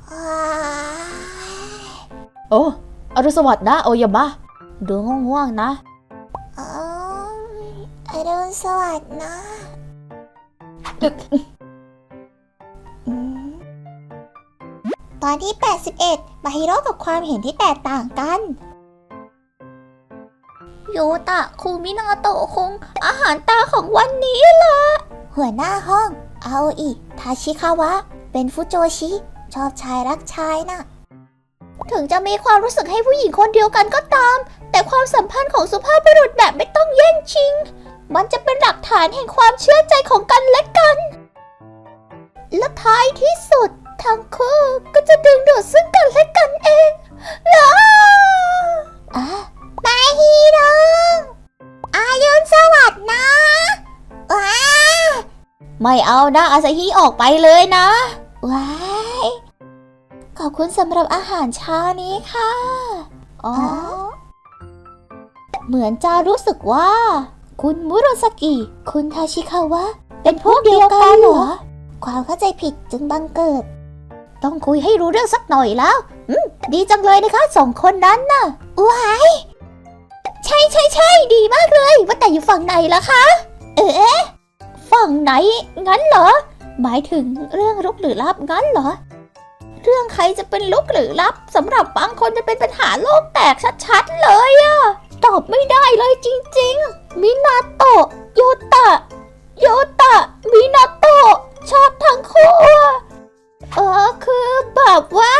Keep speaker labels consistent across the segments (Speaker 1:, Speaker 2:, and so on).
Speaker 1: โอ้อรุณสวัสดิ์นะโอยามะดูง่วงๆนะ
Speaker 2: อรุณสวัสดิ์นะตอนที่81มาฮิโร่กับความเห็นที่แตกต่างกันโยตะคุมินาโตะคงอาหารตาของวันนี้ล่ะหัวหน้าห้องอาโออิทาชิคาวะเป็นฟุโจชิชอบชายรักชายน่ะถึงจะมีความรู้สึกให้ผู้หญิงคนเดียวกันก็ตามแต่ความสัมพันธ์ของสุภาพบุรุษแบบไม่ต้องแย่งชิงมันจะเป็นหลักฐานแห่งความเชื่อใจของกันและกันและท้ายที่สุดทั้งคู่ก็จะดึงดูดซึ่งกันและกันเองมาฮีโร่อายุนสวัสดิ์นะ
Speaker 1: ไม่เอานะอาซาฮิออกไปเลยนะ
Speaker 2: ว้ายขอบคุณสำหรับอาหารเช้านี้ค่ะเหมือนจะรู้สึกว่าคุณมุโรซากิคุณทาชิคาวะเป็นพวกเดียวกันเหรอความเข้าใจผิดจึงบังเกิดต้องคุยให้รู้เรื่องสักหน่อยแล้วดีจังเลยนะคะสองคนนั้นน่ะว้ายใช่ดีมากเลยว่าแต่อยู่ฝั่งไหนล่ะคะฝั่งไหนงั้นเหรอหมายถึงเรื่องลุกหรือลับงั้นเหรอเรื่องใครจะเป็นลุกหรือลับสำหรับบางคนจะเป็นปัญหาโลกแตกชัดๆเลยอะตอบไม่ได้เลยจริงๆมินาโตะโยตะมินาโตะชอบทั้งคู่คือแบบว่า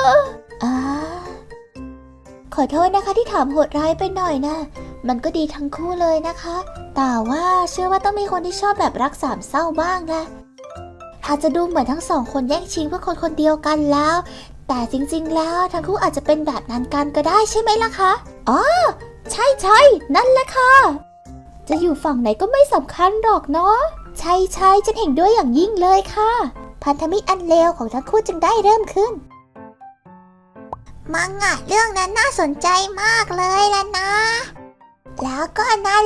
Speaker 2: ขอโทษนะคะที่ถามโหดร้ายไปหน่อยนะมันก็ดีทั้งคู่เลยนะคะแต่ว่าเชื่อว่าต้องมีคนที่ชอบแบบรักสามเศร้าบ้างแหละอาจจะดูเหมือนทั้งสองคนแย่งชิงเพื่อคนคนเดียวกันแล้วแต่จริงๆแล้วทั้งคู่อาจจะเป็นแบบนั้นกันก็ได้ใช่ไหมล่ะคะใช่นั่นแหละค่ะจะอยู่ฝั่งไหนก็ไม่สำคัญหรอกเนาะใช่ฉันเห็นด้วยอย่างยิ่งเลยค่ะพันธมิตรอันเลวของทั้งคู่จึงได้เริ่มขึ้นมังงะเรื่องนั้นน่าสนใจมากเลยล่ะนะแล้วก็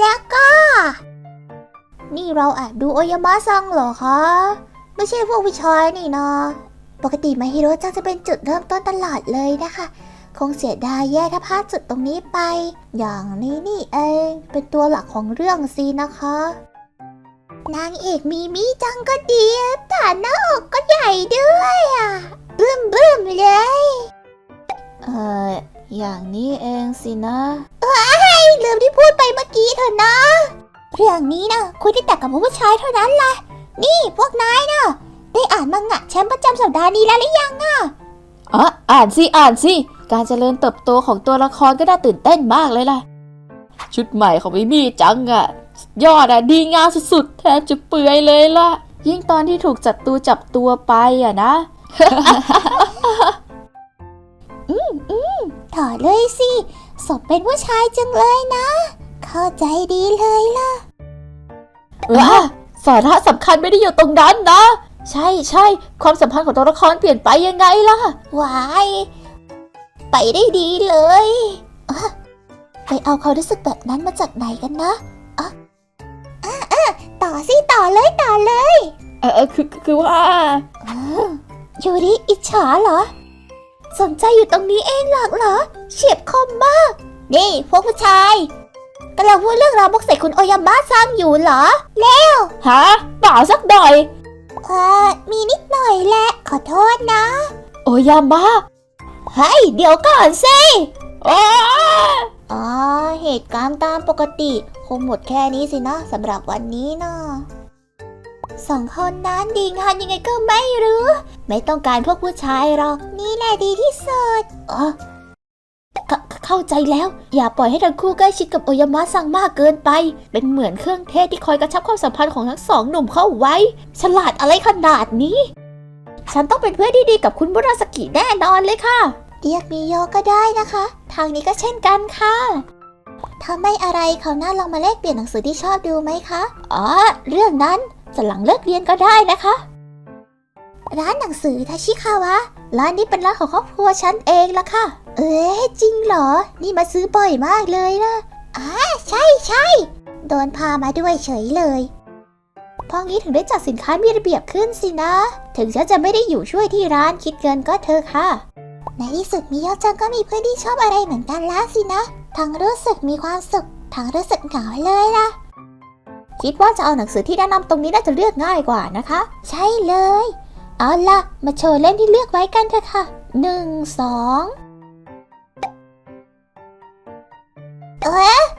Speaker 2: นี่เราดูโอยามะซังเหรอคะไม่ใช่พวกผู้ชายนี่นะปกติมาฮิโร่จังจะเป็นจุดเริ่มต้นตลอดเลยนะคะคงเสียดายแย่ถ้าพลาดจุดตรงนี้ไปอย่างนี้นี่เองเป็นตัวหลักของเรื่องสินะคะนางเอกมีมิจังก็ดีแต่หน้าอกก็ใหญ่ด้วยบึ้มเลยอย่างนี้เองสินะลืมที่พูดไปเมื่อกี้เถอะนะเรื่องนี้นะคุยได้แต่กับผู้ชายเท่านั้นแหละนี่พวกนายนะได้อ่านมังงะแชมป์ประจำสัปดาห์นี้แล้วหรือยัง
Speaker 1: อ่านสิการเจริญเติบโตของตัวละครก็น่าตื่นเต้นมากเลยล่ะชุดใหม่ของมิมี่จังยอดดีงามสุดๆแทบจะเปื่อยเลยล่ะยิ่งตอนที่ถูกจับตัวไปนะ
Speaker 2: ถอดเลยสิสมเป็นผู้ชายจังเลยนะเข้าใจดีเลยล่ะ
Speaker 1: สาระสำคัญไม่ได้อยู่ตรงนั้นนะใช่ความสัมพันธ์ของตัวละครเปลี่ยนไปยังไงล่ะ
Speaker 2: ว้ายไปได้ดีเลยไปเอาความรู้สึกแบบนั้นมาจากไหนกันนะต่อเลย
Speaker 1: คือว่า
Speaker 2: ยูริอิจฉาเหรอสนใจอยู่ตรงนี้เองหรอกเหรอเฉียบคมมากนี่พวกผู้ชายกำลังพูดเรื่องราวบกใส่คุณโอยามะซังอยู่เหรอแล้ว
Speaker 1: เปล่าสักหน่อย
Speaker 2: มีนิดหน่อยแหละขอโทษนะ
Speaker 1: โอยามะ
Speaker 2: เฮ้ยเดี๋ยวก่อนสิเหตุการณ์ตามปกติคงหมดแค่นี้สินะสำหรับวันนี้นะสองคนนั้นดีงานยังไงก็ไม่รู้ไม่ต้องการพวกผู้ชายหรอกนี่แหละดีที่สุดเข้าใจแล้วอย่าปล่อยให้ทั้งคู่ใกล้ชิดกับโอยามะซังมากเกินไปเป็นเหมือนเครื่องเทศที่คอยกระชับความสัมพันธ์ของทั้งสองหนุ่มเข้าไว้ฉลาดอะไรขนาดนี้ฉันต้องเป็นเพื่อนที่ดีกับคุณมุราสกิแน่นอนเลยค่ะเรียกมิโยก็ได้นะคะทางนี้ก็เช่นกันค่ะถ้าไม่อะไรเขาวหน้าลองมาแลกเปลี่ยนหนังสือที่ชอบดูไหมคะเรื่องนั้นจะหลังเลิกเรียนก็ได้นะคะร้านหนังสือทาชิคาวะร้านนี้เป็นร้านของครอบครัวฉันเองล่ะค่ะจริงเหรอนี่มาซื้อบ่อยมากเลยนะใช่โดนพามาด้วยเฉยเลยเพราะงี้ถึงได้จัดสินค้ามีระเบียบขึ้นสินะ ถึงฉันจะไม่ได้อยู่ช่วยที่ร้านคิดเงินก็เธอค่ะ ในที่สุดมิโยะจังก็มีเพื่อนที่ชอบอะไรเหมือนกันแล้วสินะ ทั้งรู้สึกมีความสุข ทั้งรู้สึกเหงาเลยล่ะ คิดว่าจะเอาหนังสือที่แนะนำตรงนี้น่าจะเลือกง่ายกว่านะคะ ใช่เลย เอาล่ะ มาโชว์เล่มที่เลือกไว้กันเถอะค่ะ 1 2เอ๊ะ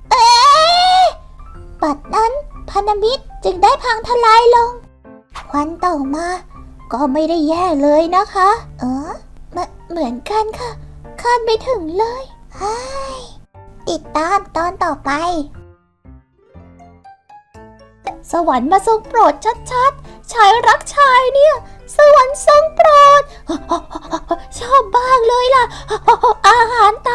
Speaker 2: บัดนั้นพันธมิตรจึงได้พังทลายลง วันต่อมา ก็ไม่ได้แย่เลยนะคะเหมือนกันค่ะ คาดไม่ถึงเลยติดตามตอนต่อไป สวรรค์มาทรงโปรดชัดๆ ชายรักชายเนี่ย สวรรค์ทรงโปรด ชอบบ้างเลยล่ะ อาหารตา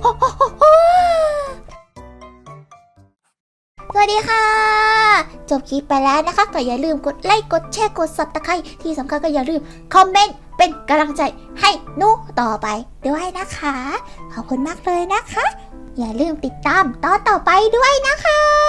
Speaker 2: สวัสดีค่ะ จบคลิปไปแล้วนะคะ ก็อย่าลืมกดไลค์กดแชร์กด Subscribe ที่สำคัญก็อย่าลืมคอมเมนต์เป็นกำลังใจให้หนูต่อไปด้วยนะคะ ขอบคุณมากเลยนะคะ อย่าลืมติดตามตอนต่อไปด้วยนะคะ